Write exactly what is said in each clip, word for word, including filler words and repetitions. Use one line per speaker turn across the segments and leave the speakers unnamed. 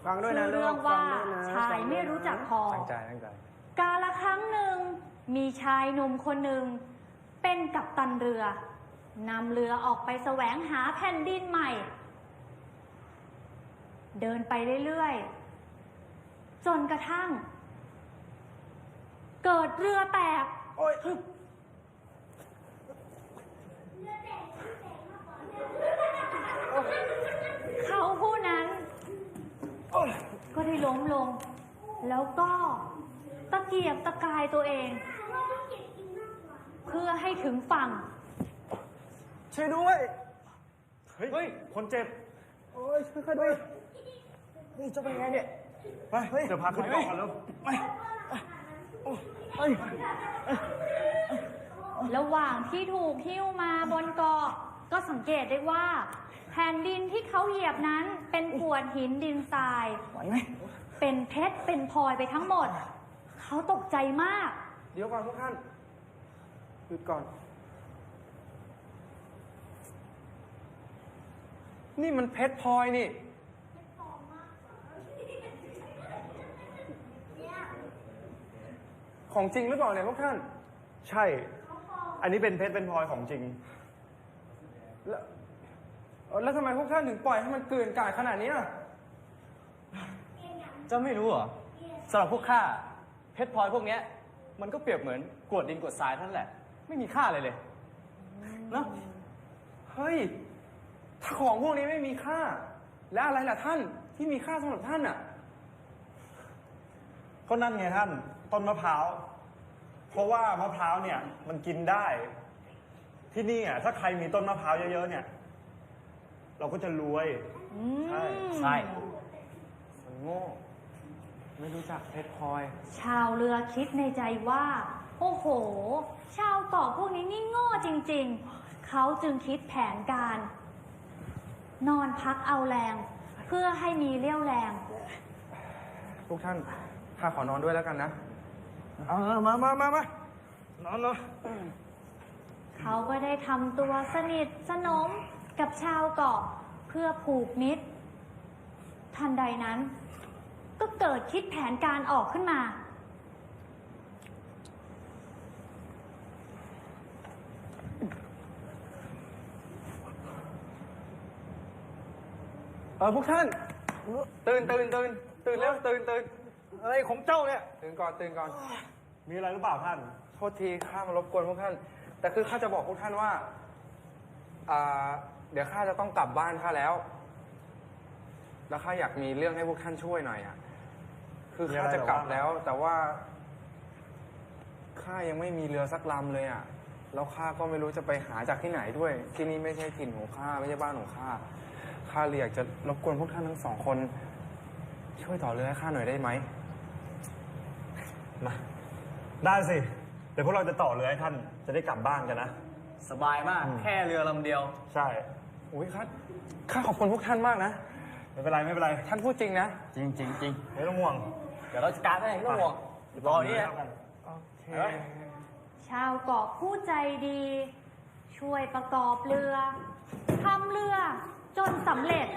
ฟังด้วยนะ
ชื่อเรื่องว่า
ฟังด้วยนะ
ชายไม่รู้จักพอ
ตั้งใจตั้งใจ
กาละครั้งหนึ่งมีชายหนุ่มคนหนึ่งเป็นกัปตันเรือนำเรือออกไปแสวงหาแผ่นดินใหม่ เดินไปเรื่อยๆจนกระทั่ง เกิดเรือแตก
โอ้ย
เขาผู้นั้นก็ได้ล้มลง แล้วก็ตะเกียกตะกายตัวเอง เพื่อให้ถึงฝั่ง
ช่วยด้วย
เฮ้ย คนเจ็บ
โอ้ยช่วยข้าด้วยนี่จะเป็นไงเนี่ย
ไป เดี๋ยวพาขึ้นเกาะกันแล้ว
ไปเฮ้ย
ระหว่างที่ถูกหิ้วมาบนเกาะก็สังเกตได้ว่า แผ่นดินที่เขาเหยียบนั้นเป็นกรวดหินดินทราย
ไหวไหม
เป็นเพชรเป็นพลอยไปทั้งหมด เขาตกใจมาก
เดี๋ยวก่อนพวกท่านหยุดก่อน นี่มันเพชรพลอยนี่ ของจริงหรือเปล่าเนี่ยพวกท่าน
ใช่ อันนี้เป็นเพชรเป็นพลอยของจริง
แล้วเอ่อแล้วทำไมพวกท่านถึงปล่อยให้มันเกลื่อนกลาดขนาดนี้อ่ะ
เจ้าไม่รู้เหรอสำหรับพวกข้าเพชรพลอยพวกเนี้ย มันก็เปรียบเหมือนกรวดดินกรวดทรายเท่านั้นแหละ ไม่มีค่าอะไรเลยเนาะ
เฮ้ย ถ้าของพวกนี้ไม่มีค่า แล้วอะไรล่ะท่านที่มีค่าสำหรับท่านอ่ะ
ก็นั่นไงท่าน ต้นมะพร้าว เพราะว่ามะพร้าวเนี่ย มันกินได้ ที่นี่อ่ะถ้าใครมีต้นมะพร้าวเยอะๆเนี่ย เราก็จะรวย ใช่
ใช่
มันโง่ ไม่รู้จักเพชรพลอย
ชาวเรือคิดในใจว่า โอ้โห ชาวเกาะพวกนี้นี่โง่จริงๆ เขาจึงคิดแผนการ นอนพักเอาแรง เพื่อให้มีเรี่ยวแรง
ทุกท่านข้าขอนอนด้วยแล้วกันนะ
เอามามามามา นอนเลย
เขาก็ได้ทำตัวสนิทสนมกับชาวเกาะเพื่อผูกมิตร ทันใดนั้น ก็เกิดคิดแผนการออกขึ้นมา
เออพวกท่าน ตื่นตื่นตื่นตื่นแล้วตื่นตื่น
อะไรของเจ้าเนี่ย
ตื่นก่อนตื่นก่อน
มีอะไรหรือเปล่าท่าน
โทษทีข้ามารบกวนพวกท่าน แต่คือข้าจะบอกพวกท่านว่าอ่า เดี๋ยวข้าจะต้องกลับบ้านข้าแล้ว แล้วข้าอยากมีเรื่องให้พวกท่านช่วยหน่อยอ่ะ คือข้าจะกลับแล้ว แต่ว่าข้ายังไม่มีเรือสักลำเลยอ่ะ แล้วข้าก็ไม่รู้จะไปหาจากที่ไหนด้วย ที่นี่ไม่ใช่ถิ่นของข้าไม่ใช่บ้านของข้า ข้าเลยอยากจะรบกวนพวกท่านทั้งสองคน ช่วยต่อเรือให้ข้าหน่อยได้ไหม
มา ได้สิ เดี๋ยวพวกเราจะต่อเรือให้ท่าน จะได้กลับบ้านกันนะ
สบายมาก แค่เรือลำเดียว
ใช่
อุ้ยข้าข้าขอบคุณพวกท่านมากนะ
ไม่เป็นไรไม่เป็นไร
ท่านพูดจริงนะ
จริงจริงจริง
ไม่ต้องห่วง
เดี๋ยวเราจัดการให้ไม่ต้องห่วงรอนี่นะ
โอเค
ชาวเกาะผู้ใจดี ช่วยประกอบเรือทำเรือจนสำเร็จ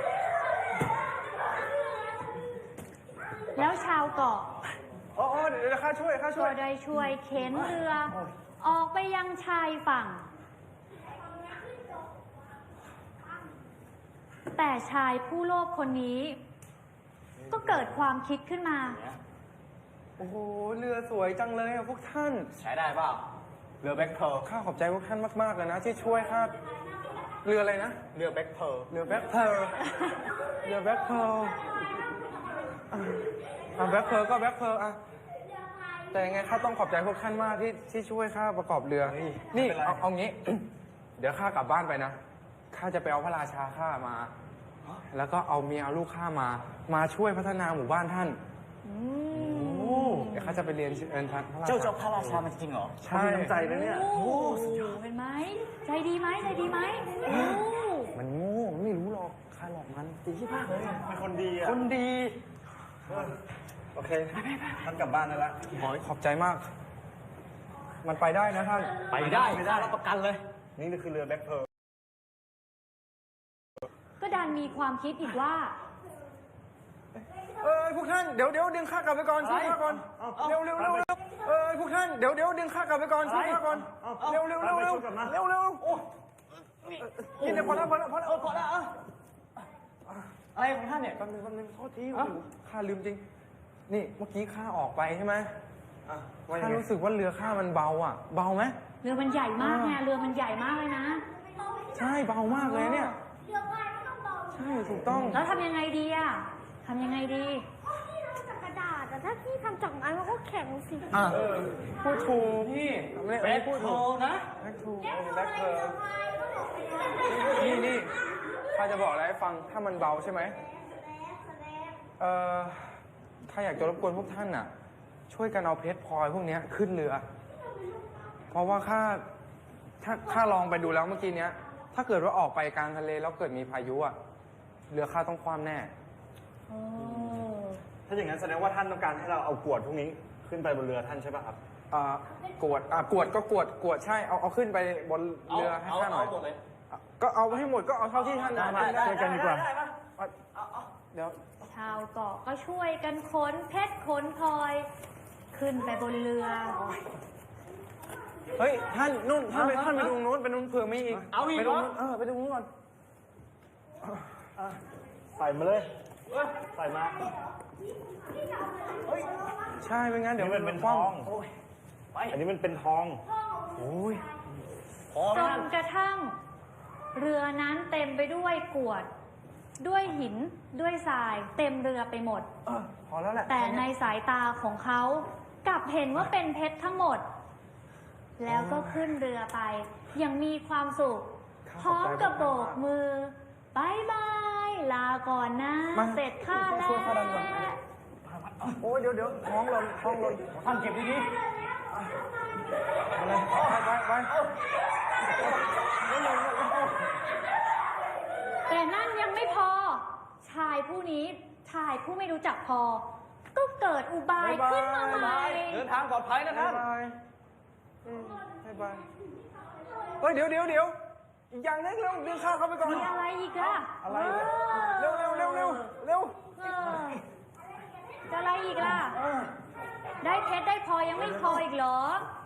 แล้วชาวเกาะ
โอ้โอ้เดี๋ยวข้าช่วยข้าช่
ก็
วย
ได้ช่วยเข็นเรือ ออกไปยังชายฝั่ง แต่ชายผู้โลภคนนี้ ก็เกิดความคิดขึ้นมา
โอ้โห เรือสวยจังเลยอะพวกท่าน
ใช้ได้เปล่า เรือแบ็คเพร์ล
ข้าขอบใจพวกท่านมากๆเลยนะ ที่ช่วยข้า เรืออะไรนะ
เรือแบ็คเพร์ล
เรือแบ็คเพร์ลเรือแบ็คเพร์ลอ่ะอ่ะแบ็คเพร์ลก็แบ็คเพร์ลอ่ะ แต่ยังไงข้าต้องขอบใจพวกท่านมากที่ที่ช่วยข้าประกอบเรือ นี่เอาเอางี้ เดี๋ยวข้ากลับบ้านไปนะ ข้าจะไปเอาพระราชาข้ามา แล้วก็เอาเมียเอาลูกข้ามา มาช่วยพัฒนาหมู่บ้านท่าน
อืม
เดี๋ยวข้าจะไปเรียนเชิญท่านพระราชา
เจ้าเจ้าพระราชามันจริงเหรอ
ใช่
มีน้ำใจนะเนี่ย
โอ้เห็นไหม ใจดีไหมใจดีไหมโอ้
มันโง่มันไม่รู้หรอกข้าหลอกมันตีที่ภาคเลย
เป็นคนดีอ่ะ
คนดี
โอเค ท่านกลับบ้านได้แล้ว
ขอบใจมาก มันไปได้นะท่าน
ไปได้ไม่ได้รับประกันเลย
นี่คือเรือแบ็คเพร์ล
ก็ดันมีความคิดอีกว่า
เอ๊ะานเดี๋ยวเดี๋ยวดึงข้ากลับไปก่อนช่วยข้าก่อนเร็วเร็วเร็วเร็วเออพวกท่านเดี๋ยวเดี๋ยวดึงข้ากลับไปก่อนช่วยข้าก่อนเร็วเร็วเร็วเร็วเร็วเร็วโอ้นี่เดี๋ยวพอแล้วพอแล้วพอแล้ว
เออพอแล้วอ่ะอะไรของท่านเนี่ย
แป๊บนึงแป๊บนึงโทษทีโอ้โหข้าลืมจริง นี่เมื่อกี้ข้าออกไปใช่ไหม
อ่ะว่ายั
ข้าง
ไง
รู้สึกว่าเรือข้ามันเบาอ่ะ เบาไหม
เรือมันใหญ่มากไงเรือมันใหญ่มากเลยนะ
ใช่เบามากเลยเนี่ย
เรือพายก็ต้องเบา
ใช่ถูกต้อง
แล้วทำยังไงดีอะทำยังไงดี
เพราะพี่ทำจากกระดาษแต่ถ้าพี่ทำจากไม้มันก็แข็งสิ
อ่ะพูดถูก
นี่
ไม่
เป็
ไม่
ด
พูด
โท
ถูก
นะ
แบ็คถูก
แล้ว
แบ็ค
ทำไม
เธอ
เรือพายก็บอกไปแล้ว
นี่นี่ข้าจะบอกอะไรให้ฟัง ถ้ามันเบาใช่ไหม เอ่อข้าอยากจะรบกวนพวกท่านน่ะ ช่วยกันเอาเพชรพลอยพวกเนี้ยขึ้นเรือ เพราะว่าข้าถ้าข้าลองไปดูแล้วเมื่อกี้เนี้ย ถ้าเกิดว่าออกไปกลางทะเลแล้วเกิดมีพายุอ่ะ เรือข้าต้องคว่ำแน่
โอ้
ถ้าอย่างนั้นแสดงว่าท่านต้องการให้เราเอากรวดพวกนี้ขึ้นไปบนเรือท่านใช่ป่ะครับ
อ่ากวดอ่ากวดก็กวดกวดใช่ เอาเอาขึ้นไปบนเรือให้ข้าหน่อย
เอาหมดเลย
อ่ะก็เอาให้หมดก็เอาเท่าที่ท่าน
ได้
ทำได้
ได้ กันดีกว่า
ได้ปะ
อ่ะเดี๋ยว
ชาวเกาะก็ช่วยกันขนเพชรขนพลอย ขึ้นไปบนเรือ
เฮ้ยท่านนู่นท่านไปท่านไปดูนู้นไปนู้นเผื่อมีอีก
เอาอีก
ไป
เหร
ดู
อ
นู้นเออไปดูนู้นก่อน
อ่ะใส่มาเลยใส่มา
ใช่ไม่งั้นเดี๋ยว
นี่มันเป็น
คว่ำ
ทอง
โอ้ย
ไป
อันนี้มันเป็นทอง
โอ้ย
พอไหม
จ
ท่าน
นกระทั่ง เรือนั้นเต็มไปด้วยกรวด ด้วยหินด้วยทราย เต็มเรือไปหมด
เออพอแล้วแหละ
แต่ในสายตาของเขากลับเห็นว่าเป็นเพชรทั้งหมด แล้วก็ขึ้นเรือไปอยังมีความสุข พร้อมกับโบกมือบายบายลาก่อนนะ
มา
เสร็จข้าแล้ว
ช่วยข้าดันก่อนโอ้ยเดี๋ยวเดี๋ยวท้องหล่นท้องหล่น
ท่านเก็บดี
อะไรไปไปไป
แต่นั่นยังไม่พอ ชายผู้นี้ชายผู้ไม่รู้จักพอ ก็เกิดอุบายขึ้นมาใหม่
ๆเดินทางปลอดภัยนะ
บา
ท่าย น
บายอืมบายบายเฮ้ยเดี๋ยวเดี๋ยวเดี๋ยวอีกอย่างนึงเร็วดึงข้าวเข้าไปก่อน
มีอะไรอีกอะ
อะไรเนี่ยเร็วเร็วเร็วเร็วเร็ว
เออจะอะไรอีกล่ะ ได้เพชรได้พลอยยังไม่พออีกเหรอ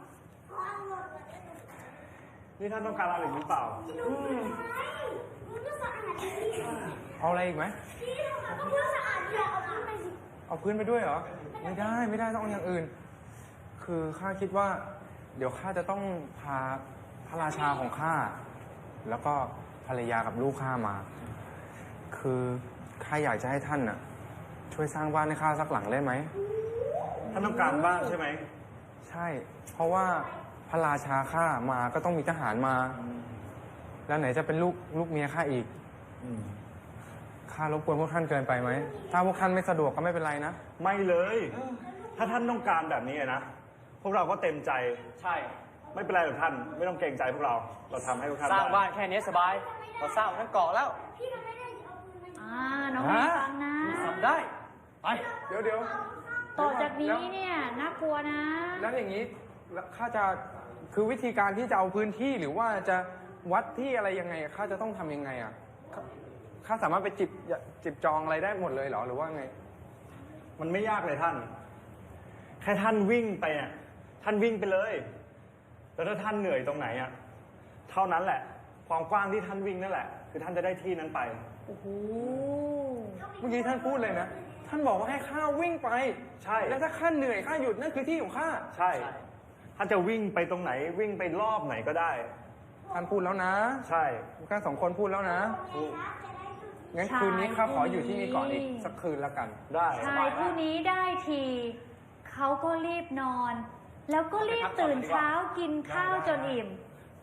นี่ท่านต้องการอะไรหรือเปล่า
มันก็สะอาดดี
เอาอะไรอีกไหม
พี่มันก็สะอาดเดียวเอาขึ้นไปสิ
เอาพื้นไปด้วยเหรอ ไม่ได้ไม่ได้ต้องเอาอย่างอื่น คือข้าคิดว่า เดี๋ยวข้าจะต้องพาพระราชาของข้าแล้วก็ภรรยากับลูกข้ามา คือข้าอยากจะให้ท่านน่ะ ช่วยสร้างบ้านให้ข้าสักหลังได้ไหม
ท่านต้องการบ้างใช่ไหม
ใช่ เพราะว่าพระราชาข้ามาก็ต้องมีทหารมา แล้วไหนจะเป็นลูกลูกเมียข้าอีกข้ารบกวนพวกท่านเกินไปไหม ถ้าพวกท่านไม่สะดวกก็ไม่เป็นไรนะ
ไม่เลย ถ้าท่านต้องการแบบนี้นะ พวกเราก็เต็มใจ
ใช่
ไม่เป็นไรหรอกท่าน ไม่ต้องเกรงใจพวกเรา เราทำให้พวกท่าน
สร้าง
ได้
บ้านแค่นี้สบาย เราสร้างทั้งเกาะแล้ว
พี่มันไม่ได้เอาปืนมายิง
อ่า น้องไม่ฟังนะ
ทำได้ ไป
เดี๋ยวเดี๋ยว
ต่อจากนี้เนี่ยน่ากลัวนะ
แล้วอย่างนี้แล้วข้าจะคือวิธีการที่จะเอาพื้นที่หรือว่าจะวัดที่อะไรยังไงข้าจะต้องทำยังไงอ่ะข้าข้าสามารถไปจิบจิบจองอะไรได้หมดเลยเหรอหรือว่าไง
มันไม่ยากเลยท่าน แค่ท่านวิ่งไปอ่ะ ท่านวิ่งไปเลย แล้วถ้าท่านเหนื่อยตรงไหนอ่ะ เท่านั้นแหละ ความกว้างที่ท่านวิ่งนั่นแหละ คือท่านจะได้ที่นั้นไป
โอ้โห
เมื่อกี้ท่านพูดเลยนะ ท่านบอกว่าให้ข้าวิ่งไป
ใช่
แล้วถ้าข้าเหนื่อยข้าหยุดนั่นคือที่ของข้า
ใช่ ท่านจะวิ่งไปตรงไหน วิ่งไปรอบไหนก็ได้
ท่านพูดแล้วนะ
ใช่
พวกท่านสองคนพูดแล้วนะ งั้นคืนนี้ข้าขออยู่ที่นี่ก่อนอีกสักคืนแล้วกัน
ได้
ชายผู้นี้ได้ที เขาก็รีบนอน แล้วก็รีบตื่นเช้ากินข้าวจนอิ่ม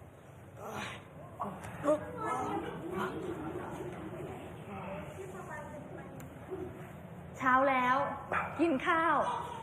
เช้าแล้ว กินข้าว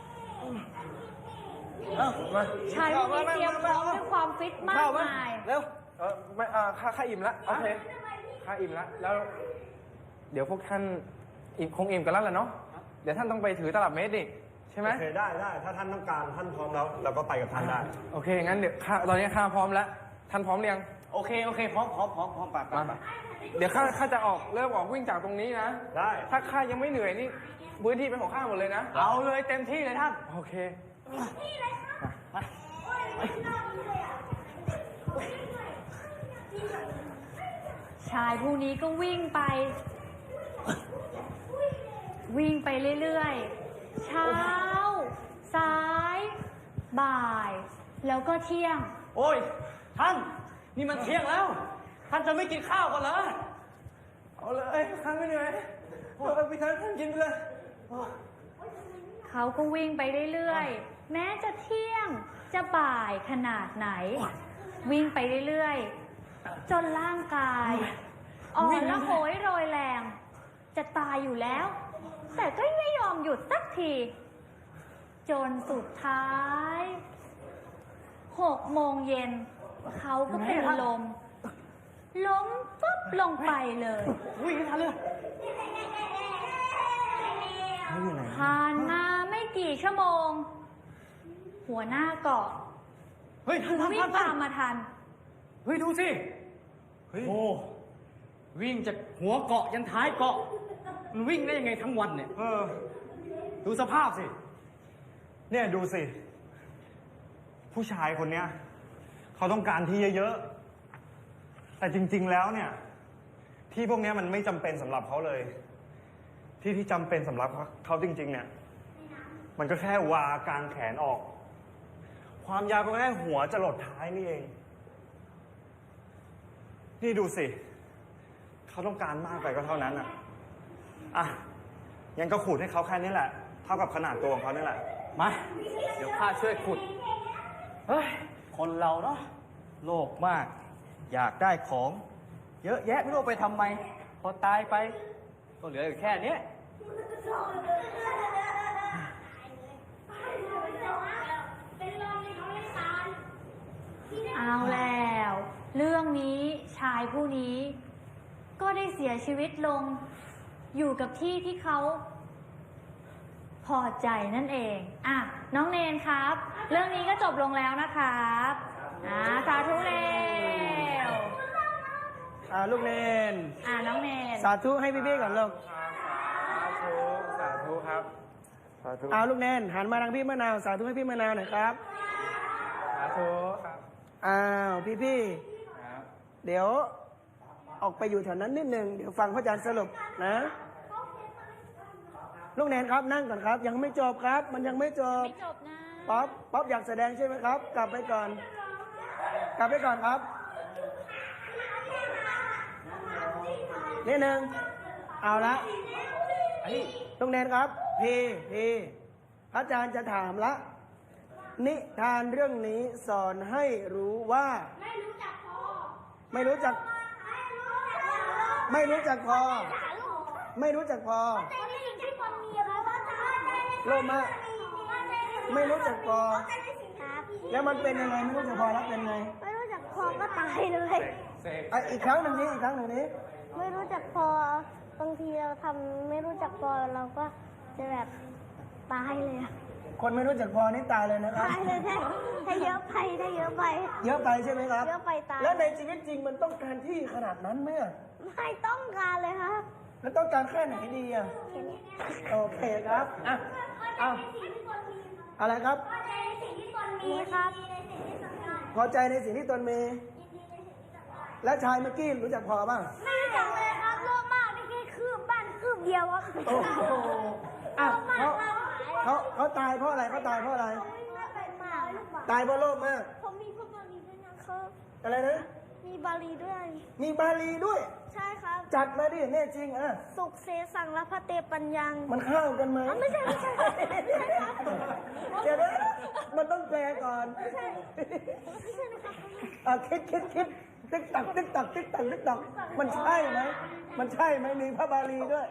เอ้ามา
ชายผู้นี้เตรียมพร้อมด้วยความฟิตมากมาย
เร็ว เออไม่อ่าข้าข้าอิ่มแล้วโอเคข้าอิ่มแล้ว แล้ว เดี๋ยวพวกท่านอิ่มคงอิ่มกันแล้วแหละเนาะ เดี๋ยวท่านต้องไปถือตลับเมตรดิใช่ไหม
โอเคได้ได้ ถ้าท่านต้องการท่านพร้อมแล้วเราก็ไปกับท่านได้
โอเค งั้นเดี๋ยวข้าตอนนี้ข้าพร้อมแล้ว ท่านพร้อมหรือยัง
โอเค โอเค พร้อมพร้อมพร้อมพร้อมไปไป
มา
ไป
เดี๋ยวข้าข้าจะออกเริ่มออกวิ่งจากตรงนี้นะ
ได้
ถ้าข้ายังไม่เหนื่อยนี่พื้นที่เป็นของข้าหมดเลยนะ
เอาเลยเต็มที่เลยท่าน
โอเค
ชายผู้นี้ก็วิ่งไป วิ่งไปเรื่อยๆ เช้า สาย บ่าย แล้วก็เที่ยง
โอ้ย ท่าน นี่มันเที่ยงแล้ว ท่านจะไม่กินข้าวกันเหรอ
เอาเลยข้าไม่เหนื่อยโอ้ยพี่ท่านท่านกินไปเลย
เขาก็วิ่งไปเรื่อยๆ แม้จะเที่ยง จะบ่ายขนาดไหน วิ่งไปเรื่อยๆ จนร่างกาย อ่อนละโหยโรยแรง จะตายอยู่แล้ว แต่ก็ไม่ยอมหยุดสักที จนสุดท้ายหกโมงเย็น เขาก็เป็นลม ล้มปุ๊บลงไปเลย
วิ่งให้ทันเลย
ผ่านมาไม่กี่ชั่วโมง หัวหน้าเกาะ
เฮ้ย ท่านท่าน
วิ่
ท่าง นท่า
ตาน มมาทัน
เฮ้ย ดูสิ
เฮ้ย
โอ้ วิ่งจากหัวเกาะยันท้ายเกาะ มันวิ่งได้ยังไงทั้งวันเนี่ย
เออ
ดูสภาพสิ
เนี่ยดูสิ ผู้ชายคนเนี้ยเขาต้องการที่เยอะๆ แต่จริงๆแล้วเนี่ย ที่พวกเนี้ยมันไม่จำเป็นสำหรับเขาเลย ที่ที่จำเป็นสำหรับเขาจริง ๆ เนี่ย มันก็แค่วากลางแขนออก ความยาวก็แค่หัวจะหลดท้ายนี่เอง นี่ดูสิ เขาต้องการมากไปก็เท่านั้นอ่ะ อ่ะ ยังก็ขูดให้เขาแค่นี้แหละ เท่ากับขนาดตัวของเขานี่แหละ
มา เดี๋ยวข้าช่วยขุด เฮ้ย คนเราเนาะ โลภมาก อยากได้ของ เยอะแยะไม่รู้เอาไปทำไม พอตายไป ก็เหลืออยู่แค่เนี้ย
เอาแล้ว เรื่องนี้ชายผู้นี้ ก็ได้เสียชีวิตลง อยู่กับที่ที่เขา พอใจนั่นเอง อ่ะ น้องเนนครับ เรื่องนี้ก็จบลงแล้วนะครับอ่าสาธุเร็ว
อ่าลูกเนน
อ่าน้องเนน
สาธุให้พี่ๆก่อนลูก
สาธุสาธุครับ สาธุ
เอาลูกเนนหันมาทางพี่มะนาวสาธุให้พี่มะนาวหน่อยครับ
สาธุครับ
อ้าวพี่
ครับ
ๆเดี๋ยวออกไปอยู่แถวนั้นนิดนึงเดี๋ยวฟังพระอาจารย์สรุปนะ ลูกเนนครับนั่งก่อนครับ ยังไม่จบครับ มันยังไม่จบ
ไม่จบนะ
ป๊อปป๊อปอยากแสดงใช่ไหมครับ กลับไปก่อน กลับไปก่อนครับนิดนึงเอาละลูกเนนครับพี่พี่พระอาจารย์จะถามละ นิทานเรื่องนี้สอนให้รู้ว่า ไม่รู้จักพอ ไม่รู้จัก ไม่รู้จักพอ ไม่รู้จักพอโลภมากไม่รู้จักพอ แล้วมันเป็นยังไงไม่รู้จักพอแล้วเป็นไง
ไม่รู้จักพอก็ตายเลย
เสก
อ่ะอีกครั้งหนึ่งนี้อีกครั้งหนึ่งนี้
ไม่รู้จักพอบางทีเราทำไม่รู้จักพอเราก็จะแบบตายเลยอะ
คนไม่รู้จักพอนี่ตายเลยนะครับ
ตายเลยถ้าถ้าเยอะไปถ้าเยอะไป
เยอะไปใช่ไหมครับ
เยอะไปตาย
แล้วในชีวิตจริงมันต้องการที่ขนาดนั้นไหมอะ
ไม่ต้องการเลยครับ
แล้วต้องการแค่ไหนดีอ่ะ
แค่นี้
โอเคครับอ่ะเอาอะไรครับ
มีครับ
พอใจในสิ่งที่ตนมี และชายเมื่อกี้รู้จักพอบ้าง
ไม่รู้จักเลยครับโลภมากนี่แค่คืบบ้านคืบเดียวครับ
โอ้โหอ่ะเขาเขาเขาตายเพราะอะไรเขาตายเพราะอะไร ตายเพราะโลภมาก
ผมมีพวกบาลีด้วยนะครับ
อะไรนะ
มีบาลีด้วย
มีบาลีด้วย
ใช่ครับ
จัดมาดิแน่จริงอ่ะ
สุขเสสังและพระเตปัญญัง
มันเข้ากันไหม
อ๋อไม่ใช่ไม่ใช่ไม่ใช่ครับ
เดี๋ยวนะมันต้องแปลก่อน
ไม่ใช่นะครับ
อ่ะคิดคิดคิดติ๊กตักติ๊กตักติ๊กตักติ๊กตักมันใช่ไหมมันใช่ไหมมีพระบาลีด้วย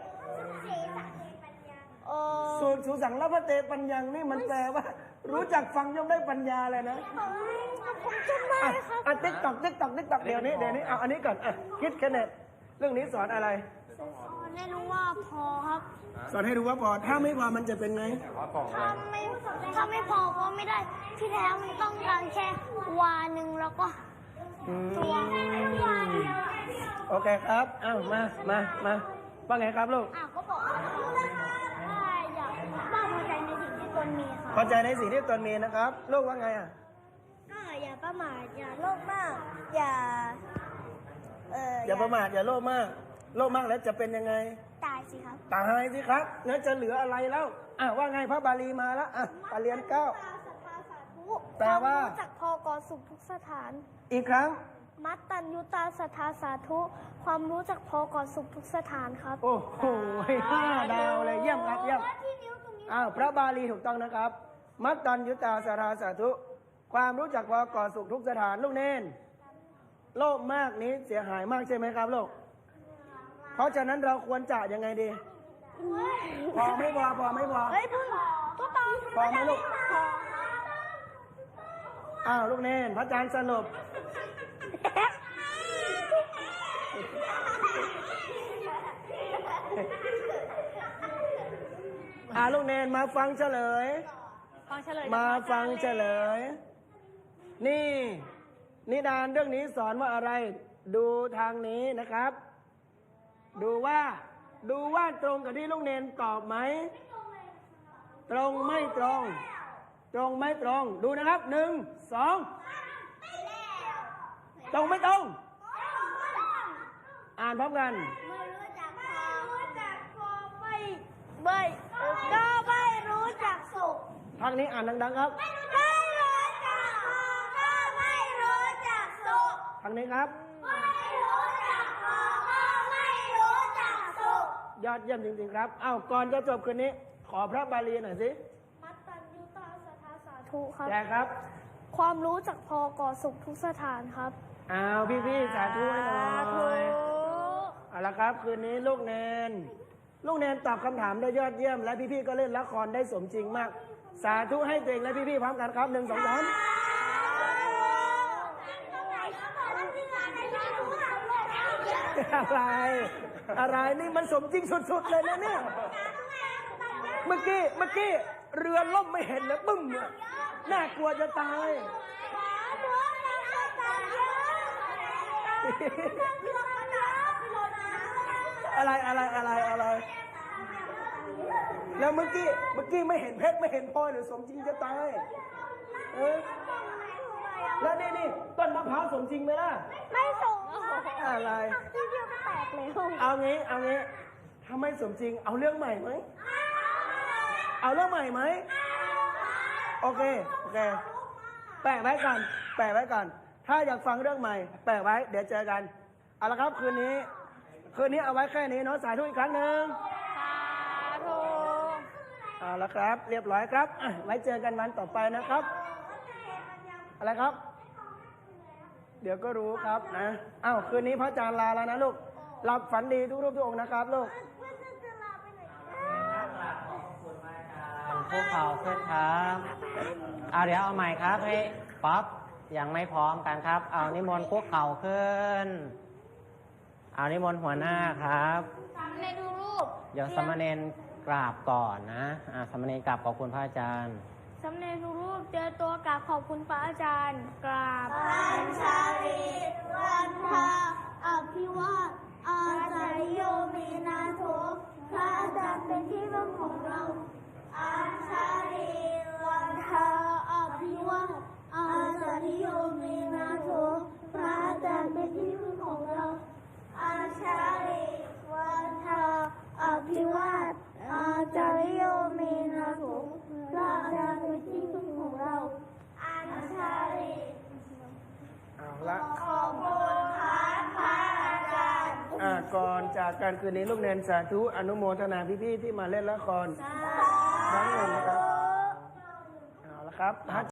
โอ้
สูตรสุสังละพระเตปัญญังนี่มันแปลว่า รู้จักฟังย่อมได้ปัญญาเลยนะ
ผมจำได้
อ่ะ
ครับ
อ่ะติ๊กตักติ๊กตักติ๊กตักเดี๋ยวนี้เดี๋ยวนี้เอาอันนี้ก่อนอ่ะคิดแค่เน็ตเรื่องนี้สอนอะไร
ไม่รู้ว่าพอครับ
สอนให้รู้ว่าพอถ้าไม่พอมันจะเป็นไง
ว่ากล่องอะไร
ถ้าไม่ถ้าไม่พอก็ไม่ได้ ที่แท้มันต้องการแค่วาหนึ่งแล้วก็
อืม
ตัววาเดียว
โอเคครับเอ้ามามามาว่าไงครับลูก
อ่ะก็บอกว่าได้
พอใจในสิ่งที่ตนมีนะครับลูกว่าไงอ่ะ
ก็อย่าประมาทอย่าโลภมาก อย่า เออ
อย่าประมาทอย่าโลภมากโลภมากแล้วจะเป็นยังไง
ตายสิครับ
ตายสิครับงั้นจะเหลืออะไรแล้วอ่ะว่าไงพระบาลีมาแล้วอ่ะปาเรียนเก้า แปลว่า
ความรู้จักพอกอสุขทุกสถาน
อีกครั้ง
มัตตัญญูตาสัทธาสาธุ ความรู้จักพอกอสุขทุกสถานครับ
โอ้โหห้าดาวเลยเยี่ยมครับเยี่ยม
ที่นิ้วตรงนี้
อ้าวพระบาลีถูกต้องนะครับ มัตตัญยุตาสาราสาธุ ความรู้จักพอก่อสุขทุกสถานลูกเน้นโลภมากนี้เสียหายมากใช่ไหมครับลูกเพราะฉะนั้นเราควรจะยังไงดี พอไม่พอพอไม่พอ
เฮ้ยพึ่งตัวตอง
พอไหมลูกอ้าวลูกเน้นพระอาจารย์สรุปอ่าลูกเนนมาฟังเฉลย
ฟังเฉลย
มาฟังเฉลย นี่ นิทานเรื่องนี้สอนว่าอะไร ดูทางนี้นะครับ ดูว่า ดูว่าตรงกับที่ลูกเนนตอบไหม ตรงไม่ตรง ตรงไม่ตรง ดูนะครับ หนึ่ง สอง ตรงไม่ตรง อ่านพร้อมกัน
ไม่รู้จักพอรู้จักพอไม่ไม่ก็ไม่รู้จักสุข
ทางนี้อ่านดังๆครับ
ไม่รู้จักพอก็ไม่รู้จักสุข
ทางนี้ครับ
ไม่รู้จักพอก็ไม่รู้จักสุข
ยอดเยี่ยมจริงๆครับ เอ้าก่อนจะจบคืนนี้ ขอพระบาลีหน่อยสิ
มัตตัญญูตาสัทธาสาธุครับ
แจกครับ
ความรู้จักพอก่อสุขทุกสถานครับ
อ้าวพี่ๆสาธุให้หน่อยเอาละครับ คืนนี้ลูกเนน ลูกเนนตอบคำถามได้ยอดเยี่ยม และพี่ๆก็เล่นละครได้สมจริงมาก สาธุให้ตัวเองและพี่ๆพร้อมกันครับหนึ่งสองสามอะไร อะไรนี่มันสมจริงสุดๆเลยนะเนี่ย เมื่อกี้เมื่อกี้เรือล่มไม่เห็นเลยบึ้มเนี่ยน่ากลัวจะตาย อะไรอะไรอะไรอะไร แล้วเมื่อกี้เมื่อกี้ไม่เห็นเพชรไม่เห็นพลอยหรือสมจริงจะตายเออแล้วนี่นี่ต้นมะพร้าวสมจริงไหมล่ะ
ไม่ส่ง
อะไร
ที่เดียวก็แตกเลย
เอางี้เอางี้ถ้าไม่สมจริงเอาเรื่องใหม่ไหมเอาเรื่องใหม่ไหมโอเคโอเคแปะไว้ก่อนแปะไว้ก่อนถ้าอยากฟังเรื่องใหม่แปะไว้เดี๋ยวเจอกันเอาละครับคืนนี้คืนนี้เอาไว้แค่นี้เนาะสาธุอีกครั้งหนึ่ง
สาธุ
เอาละครับ เรียบร้อยครับอ่ะไว้เจอกันวันต่อไปนะครับ อะไรครับ เดี๋ยวก็รู้ครับนะอ้าวคืนนี้พระอาจารย์ลาแล้วนะลูกหลับฝันดีทุกรูปทุกองค์นะครับลูก
พวกเขาขึ้นครับเอาเดี๋ยวเอาใหม่ครับให้ป๊อปยังไม่พร้อมกันครับ เอานิมนต์พวกเขาขึ้น เอานิมนต์หัวหน้าครับ
ในดูรูป
เดี๋ยวสามเณรกราบก่อนนะอ่าสามเณรกราบขอบคุณพระอาจารย์
สำเร็จรูปเจอตัวกราบขอบคุณพระอาจารย์ กราบอัญชาลีวันทาอภิวาทอาจาริโยมีนาโถพระอาจารย์เป็นที่พึ่งของเราอัญชาลีวันทาอภิวาทอาจาริโยมีนาโถพระอาจารย์เป็นที่พึ่งของเราอัญชาลีวันทาอภิวาทอาจาริโยมีนาโถพระอาจารย์เป็นที่พึ่งของเราอัญชาลี
เอาละ
ขอบคุณครับพระอาจารย์
อ่าก่อนจากการคืนนี้ลูกเนนสาธุอนุโมทนาพี่ๆที่มาเล่นละครครั้งหนึ่งนะครับเอาละครับ